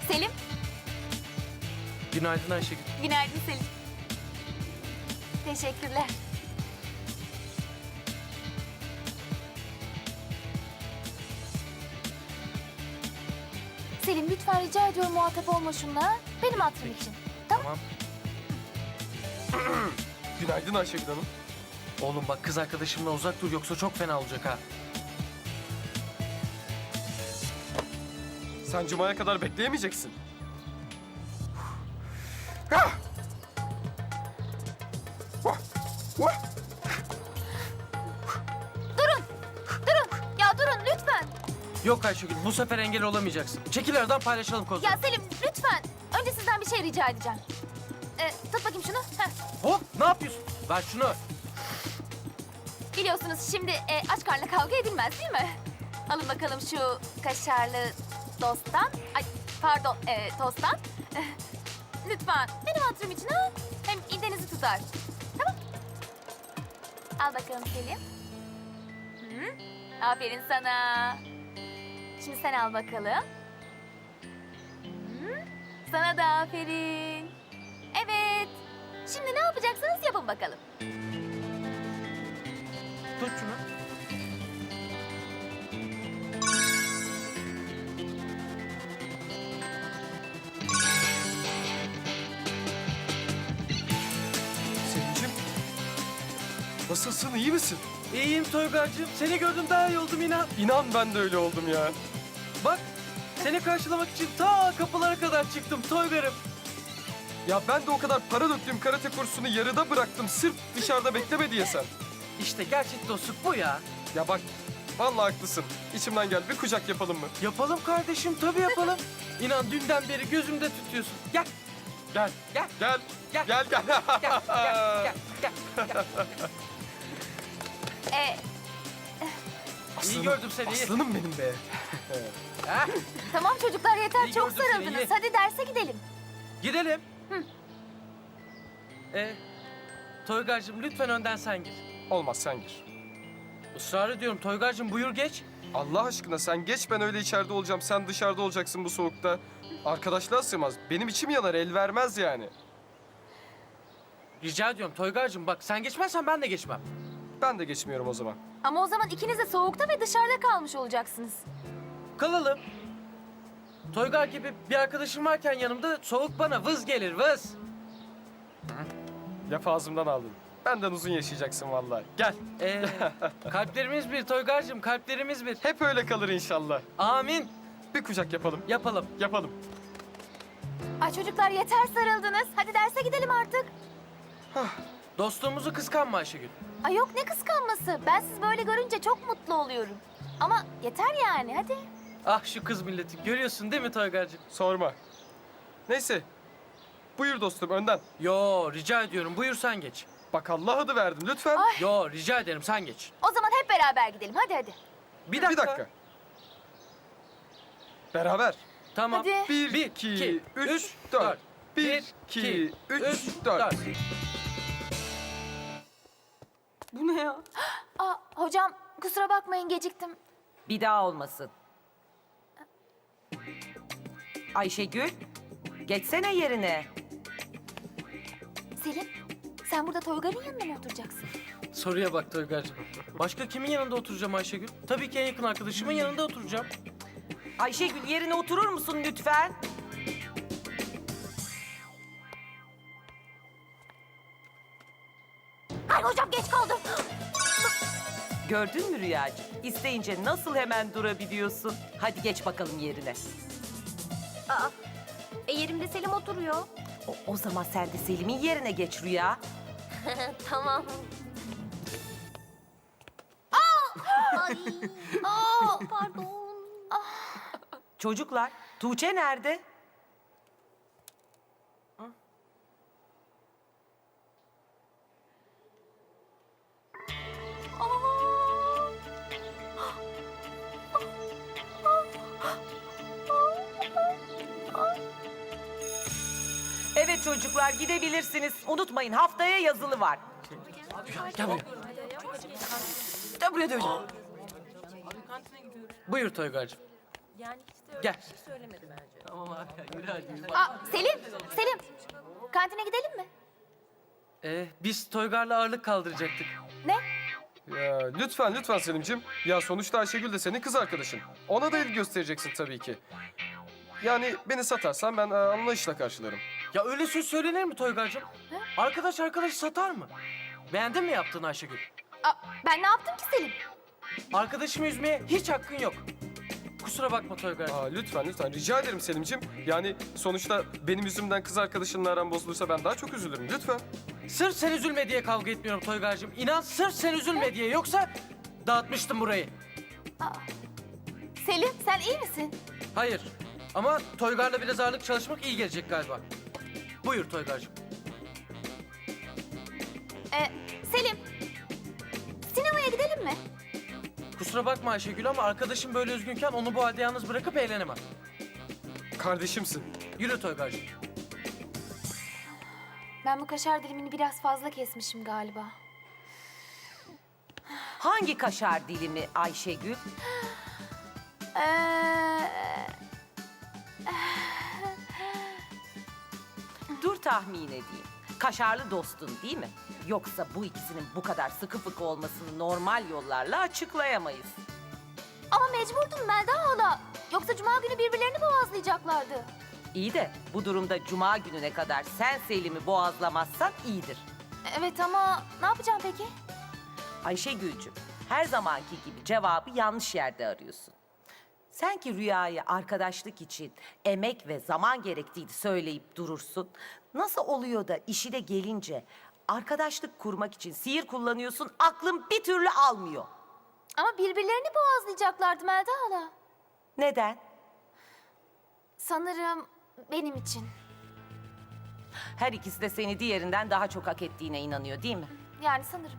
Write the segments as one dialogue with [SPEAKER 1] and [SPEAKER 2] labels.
[SPEAKER 1] Selim.
[SPEAKER 2] Günaydın Ayşegül.
[SPEAKER 1] Günaydın Selim. Teşekkürler. Selim lütfen rica ediyorum muhatap olma şunla. Benim hatırım için.
[SPEAKER 2] Tamam.
[SPEAKER 3] Günaydın Ayşegül Hanım.
[SPEAKER 2] Oğlum bak kız arkadaşımla uzak dur yoksa çok fena olacak ha.
[SPEAKER 3] Sen Cuma'ya kadar bekleyemeyeceksin. Ah! Vah! Vah!
[SPEAKER 1] Durun. Ya durun lütfen.
[SPEAKER 2] Yok Ayşegül bu sefer engel olamayacaksın. Çekil aradan paylaşalım kozları.
[SPEAKER 1] Ya Selim lütfen. Önce sizden bir şey rica edeceğim. Tut bakayım şunu. Heh.
[SPEAKER 2] Hop ne yapıyorsun? Ver şunu.
[SPEAKER 1] Biliyorsunuz şimdi aç karnla kavga edilmez değil mi? Alın bakalım şu kaşarlı dosttan. Ay pardon tosttan. Lütfen benim hatırım için ha. Hem idenizi tutar. Tamam. Al bakalım Selim. Hı? Aferin sana. Şimdi sen al bakalım. Hı? Sana da aferin. Evet. Şimdi ne yapacaksınız yapın bakalım.
[SPEAKER 2] Tut şunu.
[SPEAKER 3] Selim'ciğim. Nasılsın, iyi misin?
[SPEAKER 2] İyiyim Toygar'cığım. Seni gördüm daha iyi oldum inan.
[SPEAKER 3] İnan ben de öyle oldum ya.
[SPEAKER 2] Bak seni karşılamak için ta kapılara kadar çıktım Toygar'ım.
[SPEAKER 3] Ya ben de o kadar para döktüğüm karate kursunu yarıda bıraktım. Sırf dışarıda bekleme diye sen.
[SPEAKER 2] İşte gerçek dostluk bu ya.
[SPEAKER 3] Ya bak, vallahi haklısın. İçimden gel, bir kucak yapalım mı?
[SPEAKER 2] Yapalım kardeşim tabii yapalım. İnan dünden beri gözümde tutuyorsun. Gel.
[SPEAKER 3] Gel,
[SPEAKER 2] Gel.
[SPEAKER 3] gel,
[SPEAKER 2] Gel.
[SPEAKER 3] gel, gel.
[SPEAKER 2] Gel. Gel. Gel. Gel.
[SPEAKER 1] E,
[SPEAKER 2] İyi gördüm seni, iyi.
[SPEAKER 3] Aslanım benim be.
[SPEAKER 2] Ha?
[SPEAKER 1] tamam çocuklar yeter
[SPEAKER 2] İyi
[SPEAKER 1] çok
[SPEAKER 2] gördüm seni,
[SPEAKER 1] sarıldınız.
[SPEAKER 2] iyi.
[SPEAKER 1] Hadi derse gidelim.
[SPEAKER 2] Gidelim.
[SPEAKER 1] Hı.
[SPEAKER 2] Toygar'cığım lütfen önden sen gir.
[SPEAKER 3] Olmaz, sen gir.
[SPEAKER 2] Israr ediyorum Toygar'cığım buyur geç.
[SPEAKER 3] Allah aşkına sen geç, ben öyle içeride olacağım. Sen dışarıda olacaksın bu soğukta. Arkadaşlığa sığmaz. Benim içim yanar, el vermez yani.
[SPEAKER 2] Rica ediyorum Toygar'cığım bak sen geçmezsen ben de geçmem.
[SPEAKER 3] Ben de geçmiyorum o zaman.
[SPEAKER 1] Ama o zaman ikiniz de soğukta ve dışarıda kalmış olacaksınız.
[SPEAKER 2] Kalalım. Toygar gibi bir arkadaşım varken yanımda soğuk bana vız gelir vız.
[SPEAKER 3] Laf ağzımdan aldın. Benden uzun yaşayacaksın vallahi. Gel.
[SPEAKER 2] Kalplerimiz bir Toygar'cığım kalplerimiz bir.
[SPEAKER 3] Hep öyle kalır inşallah.
[SPEAKER 2] Amin.
[SPEAKER 3] Bir kucak yapalım.
[SPEAKER 2] Yapalım.
[SPEAKER 3] Yapalım.
[SPEAKER 1] Ay çocuklar yeter sarıldınız. Hadi derse gidelim artık.
[SPEAKER 2] Dostluğumuzu kıskanma Ayşegül.
[SPEAKER 1] Ay yok ne kıskanması. Ben sizi böyle görünce çok mutlu oluyorum. Ama yeter yani hadi.
[SPEAKER 2] Ah şu kız milleti görüyorsun değil mi Toygar'cığım?
[SPEAKER 3] Sorma. Neyse. Buyur dostum, önden.
[SPEAKER 2] Yo rica ediyorum buyur sen geç.
[SPEAKER 3] Bak Allah adı verdim lütfen.
[SPEAKER 2] Yo rica ederim sen geç.
[SPEAKER 1] O zaman hep beraber gidelim hadi.
[SPEAKER 2] Bir dakika.
[SPEAKER 3] Bir dakika. Beraber.
[SPEAKER 2] Tamam.
[SPEAKER 1] Hadi.
[SPEAKER 3] Bir,
[SPEAKER 2] Bir,
[SPEAKER 3] iki,
[SPEAKER 2] iki,
[SPEAKER 3] üç,
[SPEAKER 2] üç,
[SPEAKER 3] dört.
[SPEAKER 2] dört.
[SPEAKER 3] Bir, iki, üç, dört.
[SPEAKER 2] Bu ne ya?
[SPEAKER 1] Aa, hocam kusura bakmayın geciktim.
[SPEAKER 4] Bir daha olmasın. Ayşegül, geçsene yerine.
[SPEAKER 1] Selim sen burada Toygar'ın yanında mı oturacaksın?
[SPEAKER 2] Soruya bak Toygar'cığım. Başka kimin yanında oturacağım Ayşegül? Tabii ki en yakın arkadaşımın yanında oturacağım.
[SPEAKER 4] Ayşegül yerine oturur musun lütfen?
[SPEAKER 1] Ay hocam geç kaldım.
[SPEAKER 4] Gördün mü Rüyacığım? İsteyince nasıl hemen durabiliyorsun? Hadi geç bakalım yerine.
[SPEAKER 1] Yerimde Selim oturuyor.
[SPEAKER 4] O zaman sen de Selim'in yerine geç Rüya.
[SPEAKER 1] Tamam. Ay. Pardon.
[SPEAKER 4] Çocuklar, Tuğçe nerede? Evet çocuklar gidebilirsiniz. Unutmayın haftaya yazılı var.
[SPEAKER 2] Gel buraya. Gel buraya döveceğim. Buyur Toygar'cığım.
[SPEAKER 4] Yani hiç de öyle
[SPEAKER 2] Gel.
[SPEAKER 4] bir şey söylemedi bence.
[SPEAKER 2] Tamam abi yürü hadi yürü.
[SPEAKER 1] Aa, Selim, Selim. Kantine gidelim mi?
[SPEAKER 2] Biz Toygar'la ağırlık kaldıracaktık.
[SPEAKER 1] Ne?
[SPEAKER 3] Ya lütfen Selim'cim. Ya sonuçta Ayşegül de senin kız arkadaşın. Ona da ilgi göstereceksin tabii ki. Yani beni satarsan ben anlayışla karşılarım.
[SPEAKER 2] Ya öyle söz söylenir mi Toygar'cığım? Arkadaş arkadaşı satar mı? Beğendin mi yaptığını Ayşegül?
[SPEAKER 1] Aa, ben ne yaptım ki Selim?
[SPEAKER 2] Arkadaşımı üzmeye hiç hakkın yok. Kusura bakma Toygar'cığım.
[SPEAKER 3] Lütfen rica ederim Selim'cim. Yani sonuçta benim yüzümden kız arkadaşınla aran bozulursa ben daha çok üzülürüm lütfen.
[SPEAKER 2] Sırf sen üzülme diye kavga etmiyorum Toygar'cığım. İnan sırf sen üzülme diye. Yoksa dağıtmıştım burayı.
[SPEAKER 1] Selim, sen iyi misin?
[SPEAKER 2] Hayır. Ama Toygar'la biraz ağırlık çalışmak iyi gelecek galiba. Buyur Toygar'cığım.
[SPEAKER 1] Selim, sinemaya gidelim mi?
[SPEAKER 2] Kusura bakma Ayşegül ama arkadaşım böyle üzgünken onu bu halde yalnız bırakıp eğlenemem.
[SPEAKER 3] Kardeşimsin.
[SPEAKER 2] Yürü Toygar'cığım.
[SPEAKER 1] Ben bu kaşar dilimini biraz fazla kesmişim galiba.
[SPEAKER 4] Hangi kaşar dilimi Ayşegül?
[SPEAKER 1] Ee,
[SPEAKER 4] Dur tahmin edeyim. Kaşarlı dostun değil mi? Yoksa bu ikisinin bu kadar sıkı fıkı olmasını normal yollarla açıklayamayız.
[SPEAKER 1] ama mecburdum Melda hala. Yoksa cuma günü birbirlerini boğazlayacaklardı.
[SPEAKER 4] İyi de bu durumda cuma gününe kadar sen Selim'i boğazlamazsan iyidir.
[SPEAKER 1] Evet ama ne yapacağım peki?
[SPEAKER 4] Ayşegül'cüm, her zamanki gibi cevabı yanlış yerde arıyorsun. Sen ki Rüya'ya arkadaşlık için emek ve zaman gerektiğini söyleyip durursun. Nasıl oluyor da işine gelince arkadaşlık kurmak için sihir kullanıyorsun, aklın bir türlü almıyor.
[SPEAKER 1] Ama birbirlerini boğazlayacaklardı Melda hala.
[SPEAKER 4] Neden?
[SPEAKER 1] Sanırım benim için.
[SPEAKER 4] Her ikisi de seni diğerinden daha çok hak ettiğine inanıyor değil mi?
[SPEAKER 1] Yani sanırım.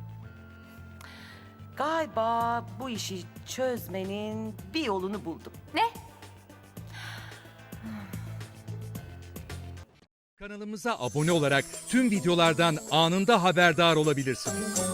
[SPEAKER 4] Galiba bu işi çözmenin bir yolunu buldum.
[SPEAKER 1] Ne?
[SPEAKER 5] Kanalımıza abone olarak tüm videolardan anında haberdar olabilirsiniz.